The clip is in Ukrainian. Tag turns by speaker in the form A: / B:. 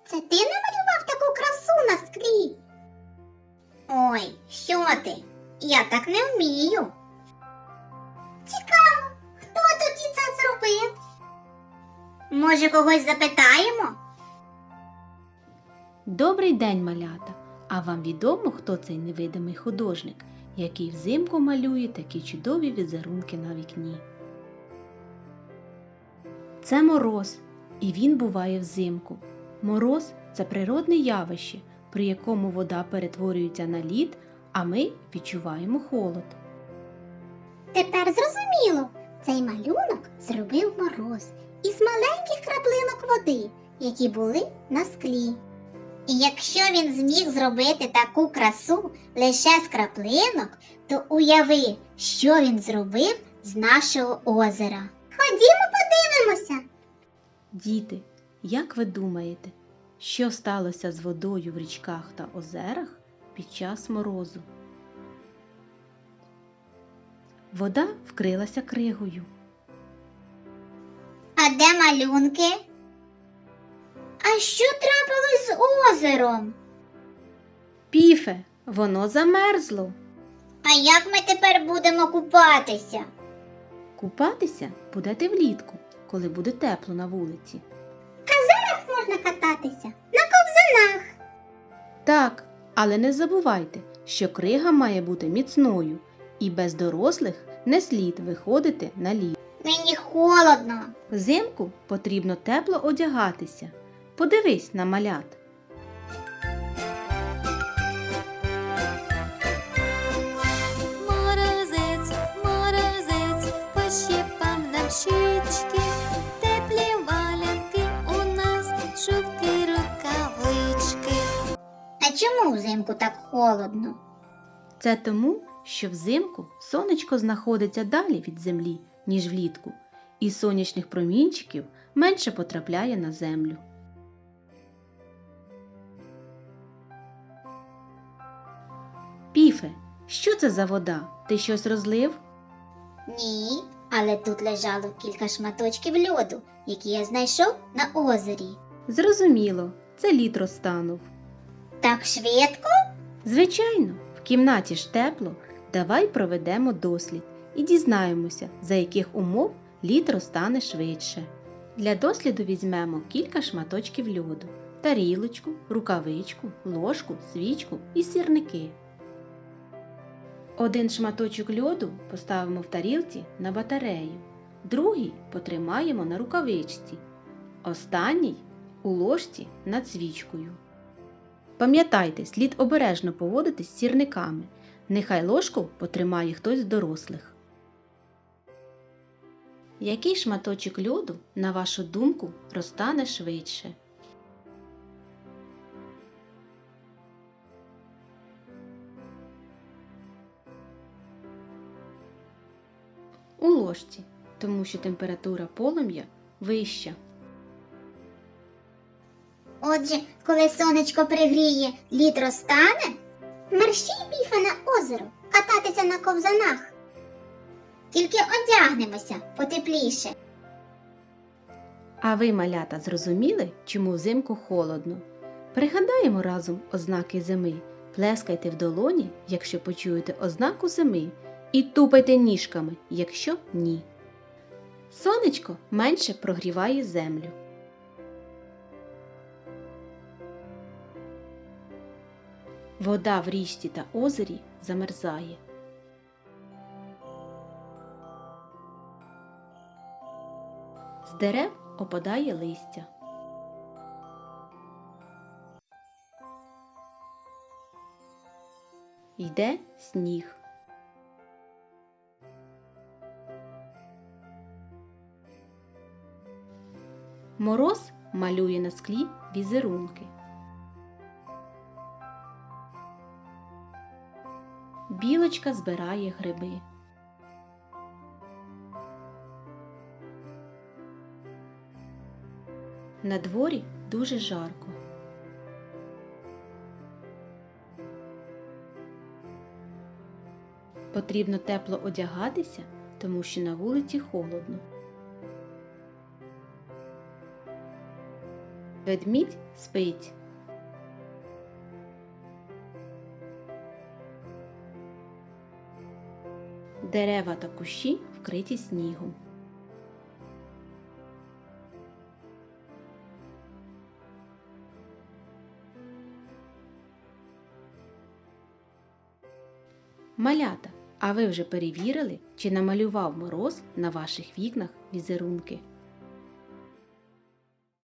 A: Це ти намалював таку красу на склі? Ой, що ти? Я так не вмію. Цікаво, хто тоді це зробив? Може, когось запитаємо?
B: Добрий день, малята! А вам відомо, хто цей невидимий художник, який взимку малює такі чудові візерунки на вікні? Це мороз, і він буває взимку. Мороз – це природне явище, при якому вода перетворюється на лід, а ми відчуваємо холод.
A: Тепер зрозуміло, цей малюнок зробив Мороз із маленьких краплинок води, які були на склі. І якщо він зміг зробити таку красу лише з краплинок, то уяви, що він зробив з нашого озера. Ходімо подивимося.
B: Діти, як ви думаєте, що сталося з водою в річках та озерах під час морозу? Вода вкрилася кригою.
A: А де малюнки? А що трапилось з озером?
B: Піфе, воно замерзло.
A: А як ми тепер будемо купатися?
B: Купатися будете влітку, коли буде тепло на вулиці.
A: Зараз можна кататися на ковзанах.
B: Так, але не забувайте, що крига має бути міцною, і без дорослих не слід виходити на лід.
A: Мені холодно.
B: Взимку потрібно тепло одягатися. Подивись на малят.
C: Морозець, морозець, пощипав нам щічки, теплі валянки у нас, шубки, рукавички.
A: А чому взимку так холодно?
B: Це тому, що взимку сонечко знаходиться далі від землі, ніж влітку, і сонячних промінчиків менше потрапляє на землю. Піфе, що це за вода? Ти щось розлив?
A: Ні, але тут лежало кілька шматочків льоду, які я знайшов на озері.
B: Зрозуміло, це лід розтанув.
A: Так швидко?
B: Звичайно, в кімнаті ж тепло. Давай проведемо дослід і дізнаємося, за яких умов лід розтане швидше. Для досліду візьмемо кілька шматочків льоду, тарілочку, рукавичку, ложку, свічку і сірники. Один шматочок льоду поставимо в тарілці на батарею, другий потримаємо на рукавичці, останній у ложці над свічкою. Пам'ятайте, слід обережно поводитись з сірниками. Нехай ложку потримає хтось з дорослих. Який шматочок льоду, на вашу думку, розтане швидше? У ложці, тому що температура полум'я вища.
A: Отже, коли сонечко пригріє, лід розтане? Мерщій, Піфе, на озеро кататися на ковзанах. Тільки одягнемося потепліше.
B: А ви, малята, зрозуміли, чому взимку холодно? Пригадаємо разом ознаки зими. Плескайте в долоні, якщо почуєте ознаку зими, і тупайте ніжками, якщо ні. Сонечко менше прогріває землю. Вода в річці та озері замерзає. З дерев опадає листя. Йде сніг. Мороз малює на склі візерунки. Білочка збирає гриби. На дворі дуже жарко. Потрібно тепло одягатися, тому що на вулиці холодно. Ведмідь спить. Дерева та кущі вкриті снігом. Малята, а ви вже перевірили, чи намалював мороз на ваших вікнах візерунки?